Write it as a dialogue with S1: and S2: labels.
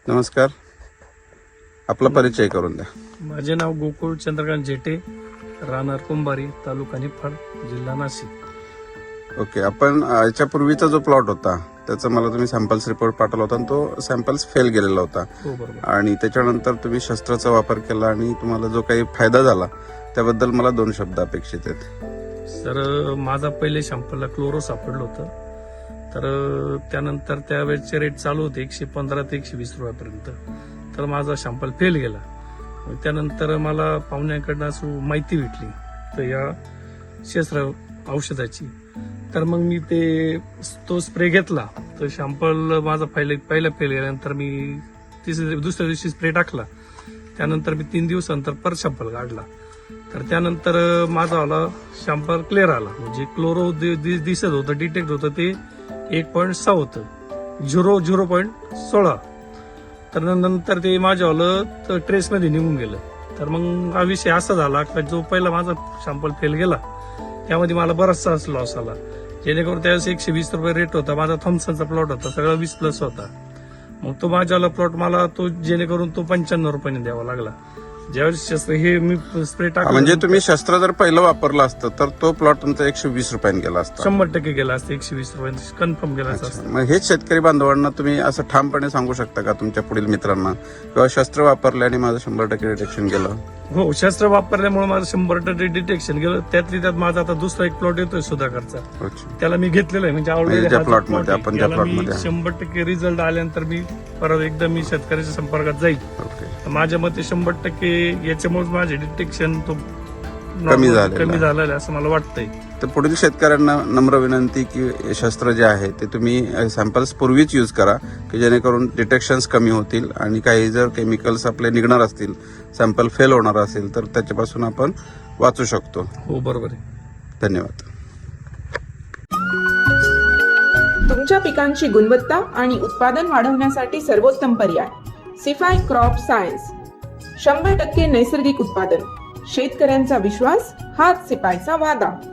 S1: नमस्कार, आपला परिचय करून द्या.
S2: माझे नाव गोकुळ चंद्रकांत जेटे, राहणार कुंभारी, तालुका निफाड, जिल्हा नाशिक.
S1: ओके, आपण याच्यापूर्वीचा जो प्लॉट होता त्याचा मला तुम्ही सॅम्पल्स रिपोर्ट पाठवला होता आणि तो सॅम्पल्स फेल गेलेला होता.
S2: हो बरोबर.
S1: आणि त्याच्यानंतर तुम्ही शस्त्राचा वापर केला आणि तुम्हाला जो काही फायदा झाला त्याबद्दल मला 2 शब्द अपेक्षित आहेत.
S2: सर, माझा पहिले शॅम्पलला क्लोरो सापडलं होतं. तर त्यानंतर त्यावेळेचे रेट चालू होते 115 ते 120 रुपयापर्यंत. तर माझा शॅम्पल फेल गेला. त्यानंतर मला पाहुण्याकडनं असं माहिती भेटली तर या शस्त्र औषधाची. तर मग मी तो स्प्रे घेतला. तर शॅम्पल माझा पहिला फेल गेल्यानंतर मी दुसऱ्या दिवशी स्प्रे टाकला. त्यानंतर मी 3 दिवसानंतर परत शॅम्पल काढला. तर त्यानंतर माझा आला शॅम्पल क्लिअर आला. म्हणजे क्लोरो दिसत होतं, डिटेक्ट होतं ते 1.6 होतं, 0.16. तर नंतर ते माझ्यावालं ट्रेसमध्ये निघून गेलं. तर मग हा विषय असा झाला की जो पहिला माझा शॅम्पल फेल गेला त्यामध्ये मला बराचसा लॉस आला. जेणेकरून त्यावेळेस 120 रुपये रेट होता. माझा थॉम्सनचा प्लॉट होता, सगळा 20+ होता. मग तो माझ्यावाला प्लॉट मला जेणेकरून तो 95 रुपयाने द्यावा लागला. ज्यावेळेस शस्त्र हे मी स्प्रे टाकला,
S1: म्हणजे तुम्ही शस्त्र जर पहिलं वापरलं असतं तर तो प्लॉट तुमचा 120 रुपयांनी गेला असता.
S2: 100% गेला असता. 120 रुपयांनी कन्फर्म गेला असता.
S1: मग हेच शेतकरी बांधवांना तुम्ही असं ठामपणे सांगू शकता का तुमच्या पुढील मित्रांना, किंवा शस्त्र वापरले आणि माझं 100% डिटेक्शन गेलं?
S2: हो, शस्त्र वापरल्यामुळे माझं 100% डिटेक्शन गेलं. त्यातली त्यात माझा आता दुसरा एक प्लॉट येतोय सुधाकरचा.
S1: अच्छा.
S2: त्याला मी घेतलेला आहे. म्हणजे
S1: म्हणजे ज्या प्लॉट मध्ये आपण ज्या प्लॉट मध्ये
S2: 100% रिझल्ट आल्यानंतर मी परत एकदा मी शेतकऱ्याच्या संपर्कात जाईल.
S1: ओके.
S2: माझ्या मते 100% याच्यामुळे माझे डिटेक्शन
S1: कमी
S2: झालेलं आहे असं मला वाटतंय.
S1: तर पुढील शेतकऱ्यांना नम्र विनंती की शस्त्र जे आहे ते तुम्ही सॅम्पल्स पूर्वीच यूज करा, की जेणेकरून डिटेक्शन्स कमी होतील आणि काही जर केमिकल्स आपले निघणार असतील, सॅम्पल फेल होणार असेल तर त्याच्यापासून आपण वाचू शकतो.
S2: हो बरोबर आहे.
S1: धन्यवाद.
S3: तुमच्या पिकांची गुणवत्ता आणि उत्पादन वाढवण्यासाठी सर्वोत्तम पर्याय सिफाय क्रॉप सायन्स. 100% नैसर्गिक उत्पादन, शेतकऱ्यांचा विश्वास हाच सिपायचा वादा.